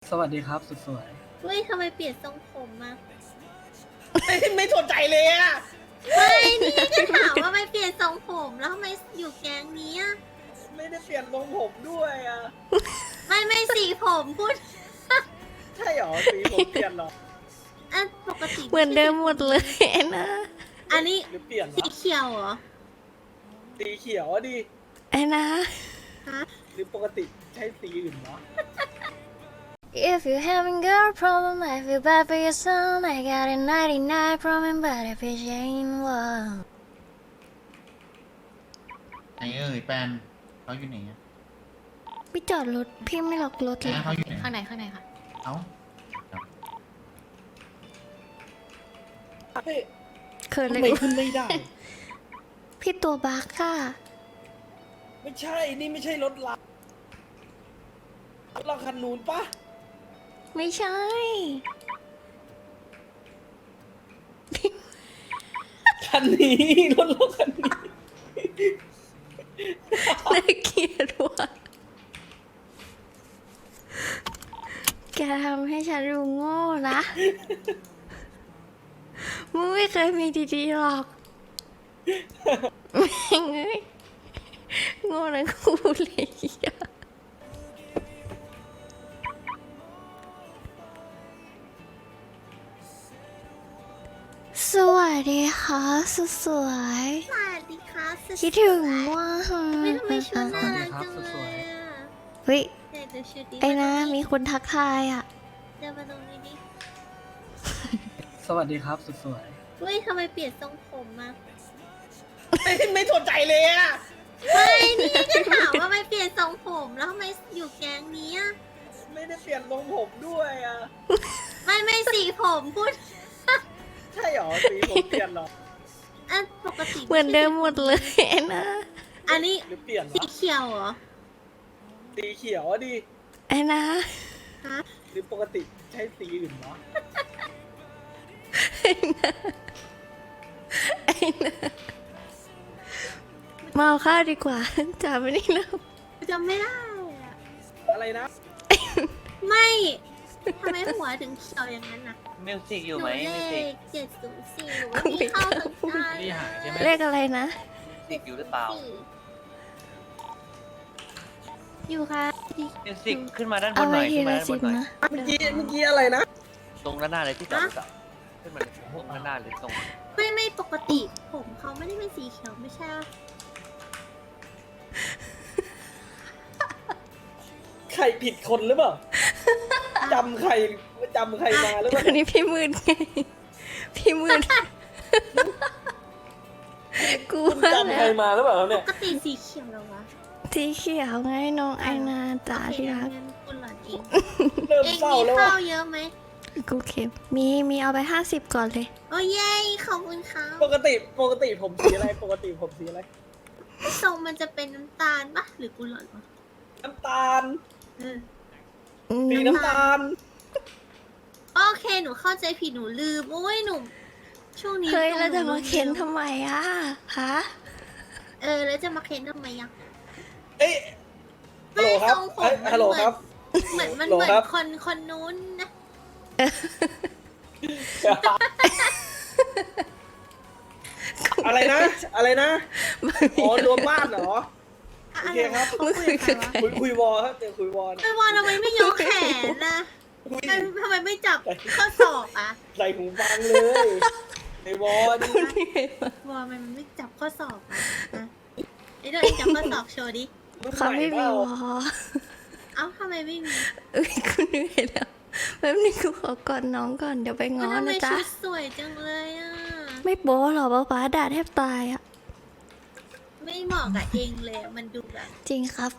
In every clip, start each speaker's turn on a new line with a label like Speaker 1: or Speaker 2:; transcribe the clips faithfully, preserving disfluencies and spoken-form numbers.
Speaker 1: สวัสดีครับสุดสวย
Speaker 2: เฮ้ยทำไมเปลี่ยนทรงผมมา
Speaker 3: ไม่ไม่สนใจเลยอะ
Speaker 2: ไม่นี่ก็ถามว่าไม่เปลี่ยนทรงผมแล้วทำไมอยู่แก๊งนี้อะ
Speaker 3: ไม่ได้เปลี่ยนทรงผมด้วยอะ
Speaker 2: ไม่ไม่สีผมพูด
Speaker 3: ใช่หรอสีผมเปลี่ยนหรอ
Speaker 2: อ่ะปกติ
Speaker 4: เหมือนเดิมหมดเลยนะ
Speaker 2: อันนี้
Speaker 3: หรือเปลี่ยน
Speaker 2: สี
Speaker 3: วะ
Speaker 2: เขียวเหรอ
Speaker 3: สีเขียวอะดิ
Speaker 4: ไอ้นะ
Speaker 2: ฮะ
Speaker 3: หรือปกติใช้สีอื่นวะ
Speaker 4: If you having girl problem I feel bad for your son I got a ninety-nine problem but if it ain't one
Speaker 5: ไหนเอ่ยแปนเขาอยู่ไหนอะ
Speaker 4: พี่จอดรถพี่ไม่ล็อกรถเลย
Speaker 5: เขาอยู่ไหน
Speaker 6: ข้างในข้างในค่ะ
Speaker 5: เอ้า
Speaker 3: เฮ้ย
Speaker 4: เขินเล
Speaker 3: ทำ
Speaker 4: ย
Speaker 3: ไมขึ้นไม่ได้
Speaker 4: พี่ตัวบักค่ะ
Speaker 3: ไม่ใช่นี่ไม่ใช่รถเรารถเราคันนู้นปะ
Speaker 4: ไม่ใช่
Speaker 3: คันนี้รถเราคันนี้
Speaker 4: น่าเกลียดว่ะแกทำให้ฉันดูโง่นะมึงไม่เคยมีดีๆหรอกแม่งเอ้ยโง่นะกูเลยอะสวัสดีค่ะสุดสวย
Speaker 2: สวัสดีค่ะสุด
Speaker 4: คิดถึงว่า
Speaker 2: ไม่ทำไมชุดน่ารักจังเลยอะ
Speaker 4: เฮ้ย
Speaker 2: เดี๋ยวดูชุดดี
Speaker 4: ไอ้นะมีคนทักทายอ่ะ
Speaker 2: เดี๋ยวมาตรงนี้ดิ
Speaker 1: สวัสดีครับสุดสวย
Speaker 2: เฮ้ยทำไมเปลี่ยนทรงผมมา
Speaker 3: ไม่ไม่สนใจเลยอะ
Speaker 2: ไม่นี่ก็ถามว่าไม่เปลี่ยนทรงผมแล้วทำไมอยู่แก๊งนี้อะ
Speaker 3: ไม่ได้เปลี่ยนทรงผมด้วยอะ
Speaker 2: ไม่ไม่สีผมพูด
Speaker 3: ใช่หรอสีผมเปลี่ยนหรอ
Speaker 2: อ่ะปกติ
Speaker 4: เหมือนเดิมหมดเลยนะ
Speaker 2: อันนี้
Speaker 3: หรือเปลี่ยน
Speaker 2: สี
Speaker 3: วะ
Speaker 2: เขียวเหรอ
Speaker 3: สีเขียวอะดิ
Speaker 4: ไอ้นะ
Speaker 2: ฮะ
Speaker 3: หรือปกติใช้สีอื่นวะ
Speaker 4: ไอ้นะไอ้นะมาเอาข้าวดีกว่าจ่าไม่ได้นะ
Speaker 2: จำไม่ได้อะ
Speaker 3: อะไรนะ
Speaker 2: ไม่ทำไมหัวถึงเขียวอย่างนั้นน่ะ
Speaker 7: มิวสิกอยู่
Speaker 2: หนู
Speaker 7: ไหม
Speaker 2: เล
Speaker 7: มิวสิก
Speaker 2: ขเจ็ดศูนย์สี่หนูว่ามีเข้าถึงได้
Speaker 7: นี่หายใช่ไหม
Speaker 4: เลขอะไรนะ
Speaker 7: มิวสิกอยู่หรือเปล่า
Speaker 2: สี่
Speaker 4: อยู่ค่ะ
Speaker 7: มิวสิกขึ้นมาด้านบ
Speaker 4: เอา
Speaker 7: นห
Speaker 4: ไว้
Speaker 7: น่อย
Speaker 4: ที
Speaker 7: ขึ้นมา
Speaker 4: ละ
Speaker 7: ด้านบ
Speaker 4: สิบ
Speaker 7: นหน่อย
Speaker 4: นะ
Speaker 3: เมื่อกี้เมื่อกี้อะไรนะ
Speaker 7: ตรงด้านหน้าเลยที่จอดรถอะขึ้นมาเลยพวกด้านหน้าเลยตรง
Speaker 2: ไม่ไม่ปกติผมเขาไม่ได้เป็นสีเขียวไม่ใช่เหรอ
Speaker 3: ใครผิดคนหรือเปล่า จำใครจำใครมาหรือเปล่า
Speaker 4: อันนี้พี่มืดไงพี่มืดกู
Speaker 3: คุณ
Speaker 4: ว่า
Speaker 3: จำ
Speaker 4: แล้
Speaker 3: ใคร
Speaker 4: ว
Speaker 3: มาหรือเปล่าครับ
Speaker 2: ป
Speaker 3: เนี่ย
Speaker 2: กติสีเขียวเหรอวะ
Speaker 4: สีเขียวไงน้องไอนาจ๋า
Speaker 2: โอเค
Speaker 4: ที่รัก
Speaker 2: งั้นคุณหลอนเอง
Speaker 3: เริ่ม
Speaker 2: เอง
Speaker 3: เศร้า
Speaker 2: มี
Speaker 3: แล้ว
Speaker 2: ข้า
Speaker 3: ว่ะ
Speaker 2: วเยอะไหม
Speaker 4: กูเข็มมีมีเอาไปห้าสิบก่อนเลย
Speaker 2: โอ้เย้ขอบคุณครับ
Speaker 3: ปกติปกติผมสีอะไร ปกติผมสีอะไร
Speaker 2: ทรงมันจะเป็นน้ำตาลปะหรือกูหลอนวะ
Speaker 3: น้ำตาล
Speaker 2: เออ
Speaker 3: สีน้ำตาล
Speaker 2: โอเคหนูเข้าใจผิดหนูลืมโอ้ยหนูช่วงนี้
Speaker 4: เฮ้ย
Speaker 2: ตรง
Speaker 4: แล้วจะมา
Speaker 2: ห
Speaker 4: เค้นทำไมอ่ะฮะ
Speaker 2: เออแล้วจะมาเค้นทำไมยัง
Speaker 3: เอ้ยฮัลโหลครับ
Speaker 2: ทรงผม
Speaker 3: เอ้ย
Speaker 2: มัน
Speaker 3: ฮัลโหลครับ
Speaker 2: เหมือนมัน
Speaker 3: ฮัลโหล
Speaker 2: เหมือน
Speaker 3: ครับ
Speaker 2: คนคนนู้นนะ
Speaker 3: อะไรนะ อะไรนะ อ๋อรวมบ้านเหรอ โอเคครับ
Speaker 2: เขาคุยกับใครวะ
Speaker 3: คุยคุยวอครับเดี๋ยวคุยวอนะ
Speaker 2: ไอ้วอนทำไมไม่ยกแขนนะ
Speaker 3: คุย
Speaker 2: ทำไมทำไมไม่จับข้อศอกอะ
Speaker 3: ใส่หูฟังเลยในวอนี่
Speaker 2: วอนมันไม่จับข้อศอกอะนะไอ้เดี๋ยวเองจับข้อศอกโชว์ดิ
Speaker 3: รุ่น
Speaker 4: เขา
Speaker 3: ใหม่
Speaker 4: ไม่
Speaker 3: เป
Speaker 4: มี
Speaker 3: ล่าว
Speaker 4: อ
Speaker 2: เอ้าทำไมไม่มี
Speaker 4: เอ้ยกูเหนื่อยแล้วแป๊บนึงกูขอกอดน้องก่อนเดี๋ยวไปง้อ
Speaker 2: ทำไม
Speaker 4: นะจ๊ะ
Speaker 2: ชุดสวยจังเลยอะ
Speaker 4: ไม่โป๊หรอป๊าป๊าด่าแทบตายอ่ะ
Speaker 2: ไม่เหมาะกับเองเลยอะมันดูแบบ
Speaker 4: จริงครับ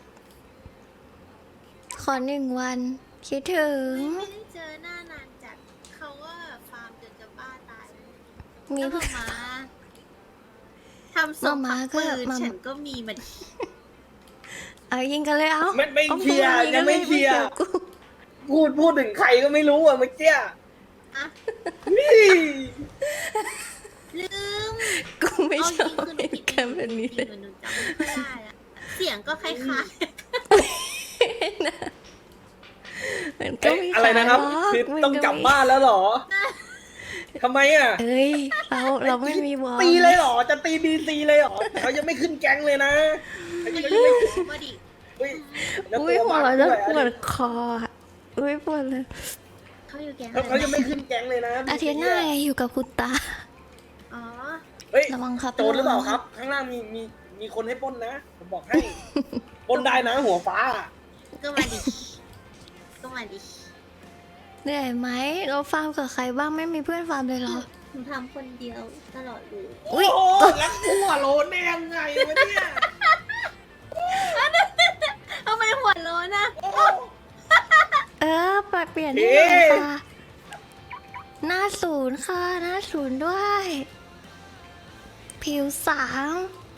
Speaker 4: ขอหนึ่งวัน คิดถึง
Speaker 2: ไม่ได้เจอหน้านานจัดเขาว่าฟาร์มจนจะบ้าตายเลย
Speaker 4: มี
Speaker 2: แล้ว
Speaker 4: เพื่อน
Speaker 2: มาทำส่ง
Speaker 4: มา
Speaker 2: ปั
Speaker 4: ม่าก ก็
Speaker 2: ปืน
Speaker 4: มา
Speaker 2: ฉันก็มีมาดิ
Speaker 4: เอายิงกันเลยเอา
Speaker 3: ไม่ไม่
Speaker 4: อา
Speaker 3: เคลียร์
Speaker 4: ปืน
Speaker 3: ยังไม่เคลียร์
Speaker 4: กี่วกู
Speaker 3: พูดพูดถึงใครก็ไม่รู้อ่ะเมื่อกี้
Speaker 2: อะ
Speaker 3: นี่
Speaker 2: ลืม
Speaker 4: กูไม่
Speaker 2: เอา
Speaker 4: ช
Speaker 2: จ
Speaker 4: อ
Speaker 2: ริ
Speaker 4: บ
Speaker 2: งคือหนู
Speaker 4: เห
Speaker 2: ผิด
Speaker 4: ตุการณ์แบบนี้
Speaker 2: จ
Speaker 4: เล
Speaker 2: ริ
Speaker 4: ย
Speaker 2: งๆหนูจำไม่ค่อยได้อะเสียงก็คล้าย
Speaker 4: นะมันก็
Speaker 3: เอ๊ะ
Speaker 4: ไม่
Speaker 3: อะไรนะครับ
Speaker 4: ขายหรอก
Speaker 3: คือ
Speaker 4: มัน
Speaker 3: ต้อง
Speaker 4: ก็
Speaker 3: กลับ
Speaker 4: ไม่
Speaker 3: บ้านแล้วเหรอทำไมอ่ะ
Speaker 4: เอ้ยเราเราไม่มีวอล
Speaker 3: ตีเลยเหรอจะตีบีซีเลยเหรอเขายังไม่ขึ้นแก๊งเลยนะเขายังไม่
Speaker 2: มาดิ
Speaker 3: เฮ้ยแล้ว
Speaker 4: อุ้
Speaker 3: ตั
Speaker 4: ยว หัว
Speaker 3: บาง
Speaker 4: เรา
Speaker 3: ด้
Speaker 4: จะ
Speaker 3: วย
Speaker 4: ปวดคออะอุ้ยปวดเลย
Speaker 2: เขาอยู่แก๊ง
Speaker 3: แล้วเขายังไม่ขึ้นแก๊งเลยนะ
Speaker 4: อาทิตย์หน้าไงอยู่กับคุณตา
Speaker 2: อ๋อ
Speaker 3: เฮ้ย
Speaker 4: ระวังครับ
Speaker 3: โจรหรือเปล่าครับ ข้างล่างมีมีมีคนให้ปล้นนะผมบอกให้ปล้นได้นะหัวฟ้า
Speaker 2: ก็มาดิก็มาดิ
Speaker 4: เหนื่อยไหมเราฟาร์มกับใครบ้างไม่มีเพื่อนฟาร์มเลยเหรอ
Speaker 2: หนูทำคนเดียวตลอดเลย
Speaker 3: โอ้โหแล้วหัวโลนได้ยังไงวะเนี่ย
Speaker 2: ทำไมหัวโล้นอะ
Speaker 3: โอ้โห
Speaker 4: เออปรับเปลี่ยนให้หน่อยค่ะ หน้าศูนย์ค่ะ หน้าศูนย์ด้วย ผิวสาง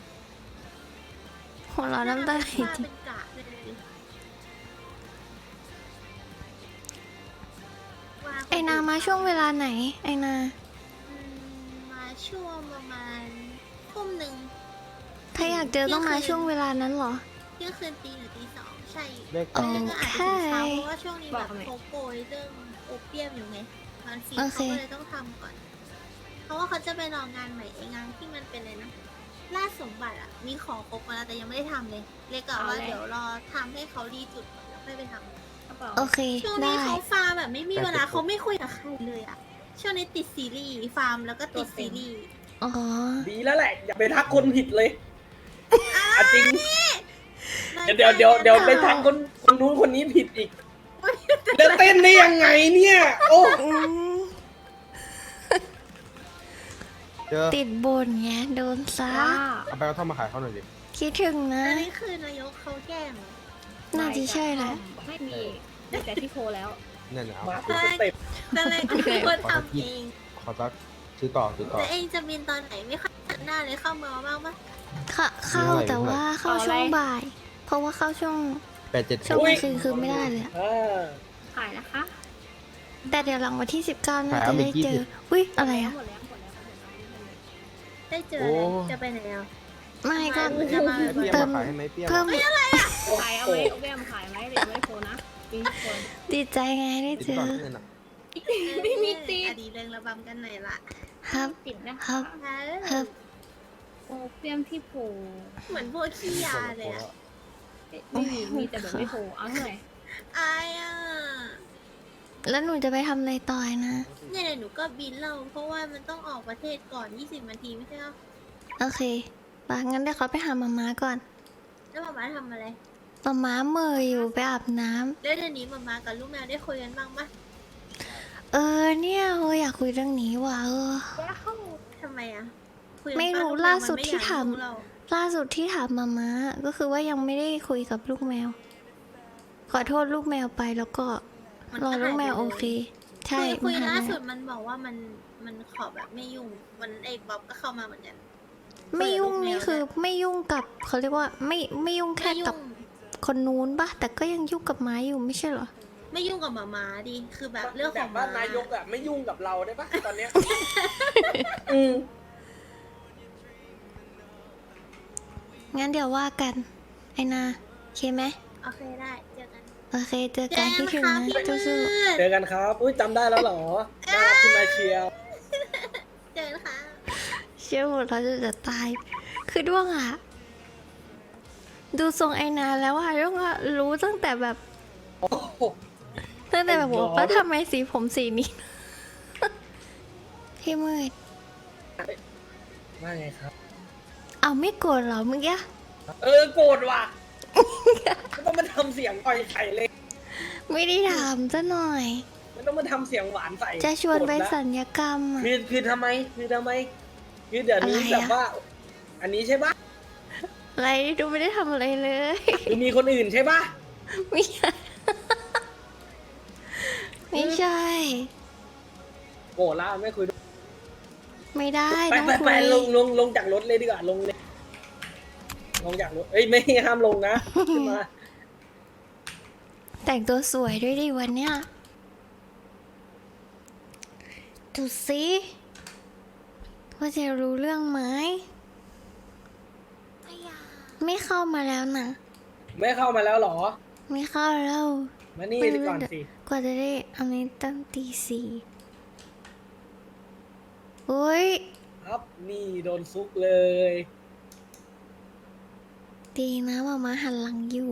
Speaker 4: หัวเราะน้ำตาไหล
Speaker 2: ว่า
Speaker 4: จริง
Speaker 2: เป็นกะเลยว่ค
Speaker 4: ไอนามาช่วงเวลาไหน ไอนา
Speaker 2: อืมมาช่วงประมาณทุ่มหนึ่ง
Speaker 4: ถ้าอยากเจอต้องมาช่วงเวลานั้นเหรอ
Speaker 2: เที่ยงคืนตีหรือตีสองใช่
Speaker 6: เลข
Speaker 4: โอ
Speaker 2: แล้วก็อาจจะถึงเช้า
Speaker 4: เค
Speaker 2: เพราะว่าช่วงนี้แบบเขาโกยเรื่องโอเปียมอยู่ไงมันฟี
Speaker 4: โอ
Speaker 2: เขา
Speaker 4: เค
Speaker 2: ก็เลยต้องทำก่อน เพราะว่าเขาจะไปรองานใหม่ไองานที่มันเป็นอะไรนะล่าสมบัติอ่ะ มีของครบมาแล้วแต่ยังไม่ได้ทำเลย เลยกะว่าเดี๋ยวรอทำให้เขาดีจุดก่อนแล้วค่อยไปทำ
Speaker 4: โอเค
Speaker 2: ช่วง
Speaker 4: ได้
Speaker 2: นี้เขาฟาร์มแบบไม่มีเวลาเขาไม่คุยกับใครเลยอ่ะ ช่วงนี้ติดซีรีส์ฟาร์มแล้วก็ติดซีรีส์
Speaker 4: อ๋อ
Speaker 3: ดีแล้วแหละ อย่าไปทักคนผิดเลยอ่ะจริง เดี๋ยวเดี๋ยวเดี๋ยวเดี๋ยวไปทักคนคนนู้นคนนี้ผิดอีกแล้วเต้นได้ยังไงเนี่ย โอ้
Speaker 4: อืม
Speaker 6: เจอ
Speaker 4: ติดบนไงโดนซะ
Speaker 6: เอาไปกระท่อมมาขายเขาหน่อยดิ
Speaker 4: คิดถึงนะ
Speaker 2: อันนี้คือนายกเขาแกล้งเหรอ
Speaker 4: น่าจะใช่แหละ
Speaker 8: ไม่มีมีแต่พี่โพแล้ว
Speaker 6: เนี่ยเนี่ยเอา
Speaker 3: มาเป็นสเต็ป
Speaker 2: แต่นายกคือคนทำเอง
Speaker 6: ขอสักซื้อต่อซื้อต่อ
Speaker 2: แต่เองจะบินตอนไหนไม่เข้าหน้าเลยเข้ามาบ้างปะ
Speaker 4: เข้าเข้าแต่ว่าเข้าช่วงบ่าย เพราะว่าเข้าช่วง
Speaker 6: แปดเจ็ด
Speaker 4: ช่วงกลางคืนคือไม่ได้เลยอะ
Speaker 3: อ่า
Speaker 8: ขายนะคะ
Speaker 4: แต่เดี๋ยวหลังวันที่สิบเก้าน่าจะได้เจอ อุ้ยอะไรอะ
Speaker 8: หมดแล้วหมดแล้วหมดแล้ว
Speaker 2: ได้เจออะไรจะไปไหนอ่ะ
Speaker 4: ไม่ก็
Speaker 2: จะมา
Speaker 6: ให้เปี้ย
Speaker 4: เติ
Speaker 6: มาม ขายให้ไหมเปี้ยม
Speaker 4: เพิ่ม
Speaker 8: ขายเอาไหมเอาแก้มขายไหมหรือไม่โพนะมีคน
Speaker 4: ดีใจไงได้
Speaker 6: ติด
Speaker 4: เจ
Speaker 6: ก่อ
Speaker 4: อน
Speaker 6: เงินอ่ะ
Speaker 8: ไม่มีติด
Speaker 2: อดีเรื่องระบำกันหน่อยละ
Speaker 4: ครับ
Speaker 8: ติดนะ
Speaker 4: ครั
Speaker 8: คะ
Speaker 4: บ
Speaker 2: ฮะ
Speaker 4: ครับ
Speaker 8: โอเปียมที่โพ
Speaker 2: เหมือนพวกขี้ยาเลยอ่ะ
Speaker 8: ไม่มีมีแต่แบบไม่โพเอาเท่าไหร่
Speaker 2: อายอ่ะ
Speaker 4: แล้วหนูจะไปทำอะไรต่อยนะ
Speaker 2: เนี่ยเดี๋ยวหนูก็บินเราเพราะว่ามันต้องออกประเทศก่อนยี่สิบนาทีไม่ใช่หรอ
Speaker 4: โอเคปะงั้นเดี๋ยวเขาไปหามาม้าก่อน
Speaker 2: แล้วหมามาทำอะไร
Speaker 4: มาม้าเมยอยู่ไปอาบน้ำ
Speaker 2: แล้วเดี๋ยวนี้หมามากับลูกแมวได้คุยกันบ้างปะ
Speaker 4: เออเนี่ยเอออยากคุยเรื่องนี้ว่ะเออ
Speaker 2: ทำไมอ่ะคุยกัน
Speaker 4: ไม่รู้
Speaker 2: ปะ
Speaker 4: ล่าสุดที่
Speaker 2: ลูกแว
Speaker 4: ถาม
Speaker 2: นไอยกรู้เรา
Speaker 4: ล่าสุดที่ถามมาม้าก็คือว่ายังไม่ได้คุยกับลูกแมว ขอโทษลูกแมวไปแล้วก็
Speaker 2: มัน
Speaker 4: รอ
Speaker 2: ก็
Speaker 4: ลูกแมว
Speaker 2: หายไป
Speaker 4: โอ
Speaker 2: เลย
Speaker 4: เค ใช่
Speaker 2: คุยคุย
Speaker 4: มันห
Speaker 2: ล่า
Speaker 4: ไป
Speaker 2: สุดมันบอกว่ามันมันขอแบบไม่ยุ่งวันไอ้บ๊อบก็เข้ามาเหมือนกัน
Speaker 4: ไม่ยุ่ง
Speaker 2: คุยกับลูกแมว
Speaker 4: นี่คือไม่ยุ่งกับเขาเรียกว่าไม่ไม่ยุ่งแค่
Speaker 2: ไม่
Speaker 4: กับ
Speaker 2: ยุ่ง
Speaker 4: คนนู้นปะแต่ก็ยังยุ่งกับม้าอยู่ไม่ใช่เหรอ
Speaker 2: ไม่ยุ่งกับหมามาดิคือแบบเรื่อง
Speaker 3: แบ
Speaker 2: ของ
Speaker 3: บ
Speaker 2: ห
Speaker 3: ว่า
Speaker 2: มา
Speaker 3: นายกอ่ะไม่ยุ่งกับเราได้ปะตอนเนี้ยอืม
Speaker 4: งั้นเดี๋ยวว่ากัน ไอนาโอเคไหม
Speaker 2: โอเคได้เจอกัน
Speaker 4: โอเคเจอกันที่ถึง
Speaker 2: ค่ะ
Speaker 4: นะ
Speaker 2: พี่มื
Speaker 4: สู้
Speaker 2: ด
Speaker 3: เจอกันครับอุ้ยจำได้แล้วเหรอน่ารักขึ้นมาเชียว
Speaker 2: เจอกันค่ะ
Speaker 4: ๆเชื่อหมดเราจะจะตาย คือด้วงอะดูทรงไอนาแล้วอะด้วงอะรู้ตั้งแต่แบบ
Speaker 3: โอ้โห
Speaker 4: ตั้งแต่แบบ
Speaker 3: ไอ้
Speaker 4: ว่า
Speaker 3: น้อง
Speaker 4: ว่าทำไมสีผมสีนี้ พี่มืด
Speaker 3: ว่าไงครับ
Speaker 4: เอาไม่โกรธเหรอเมื่อกี้
Speaker 3: เออโกรธว่ะไม่ต้องมาทำเสียงอ่อยไข่เลย
Speaker 4: ไม่ได้ถามซะหน่อย
Speaker 3: ไม่ต้องมาทำเสียงหวานใส่
Speaker 4: จะชวนไป
Speaker 3: โกรธละ
Speaker 4: สัญญกรรมอะ
Speaker 3: คือคือทำไมคือทำไมคือเดี๋ยวนี้
Speaker 4: อะไรอะ
Speaker 3: แบบว่า อันนี้ใช่ปะ
Speaker 4: อะไรดูไม่ได้ทำอะไรเลย
Speaker 3: คือมีคนอื่นใช่ปะ
Speaker 4: ไม่ใช่ ไม่ใช่
Speaker 3: โกรธละไม่คุยด้วย
Speaker 4: ไม่ได้
Speaker 3: ไป
Speaker 4: ต้อง
Speaker 3: ไป
Speaker 4: คุ
Speaker 3: ไป
Speaker 4: ย
Speaker 3: ลงลงลงจากรถเลยดีกว่าลงเลย ลงจากรถเอ้ยไม่ห้ามลงนะขึ้นมา
Speaker 4: แต่งตัวสวยด้วยดิวันเนี้ยดูสิว่าจะรู้เรื่องไหมไม่เข้ามาแล้วนะ
Speaker 3: ไม่เข้ามาแล้วเหรอ
Speaker 4: ไม่เข้าแล้ว
Speaker 3: มานี่
Speaker 4: ไม่
Speaker 3: ดีก่อนสิ
Speaker 4: กว่าจะได้อันนี้ตั้งตีสี่โอ้ย
Speaker 3: ครับนี่โดนซุกเลย
Speaker 4: ดีนะมามาหันหลังอยู่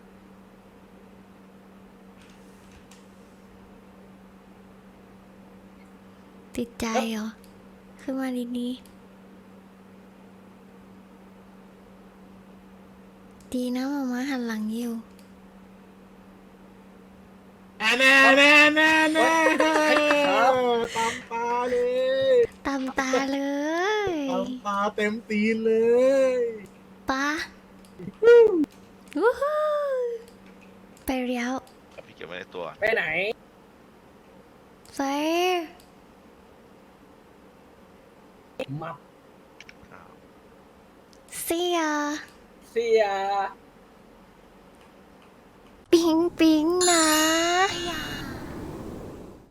Speaker 4: ติดใจเหรอ ขึ้นมาดีๆดีนะมามาหันหลังอยู่
Speaker 6: แม่แม่แม่แม่แม่
Speaker 3: ครับ
Speaker 6: ตามตาเลย
Speaker 4: ตามตาเลย
Speaker 6: ตามตาเต็มตีนเลย
Speaker 4: ปะวู้ฮู้ไปเรียว
Speaker 9: พี่เก็บไว้ในตัว
Speaker 3: ไปไหน
Speaker 4: ไป
Speaker 3: มับ
Speaker 4: เสีย
Speaker 3: เสีย
Speaker 4: ปิ๊งปิ๊งนะ
Speaker 2: อยาก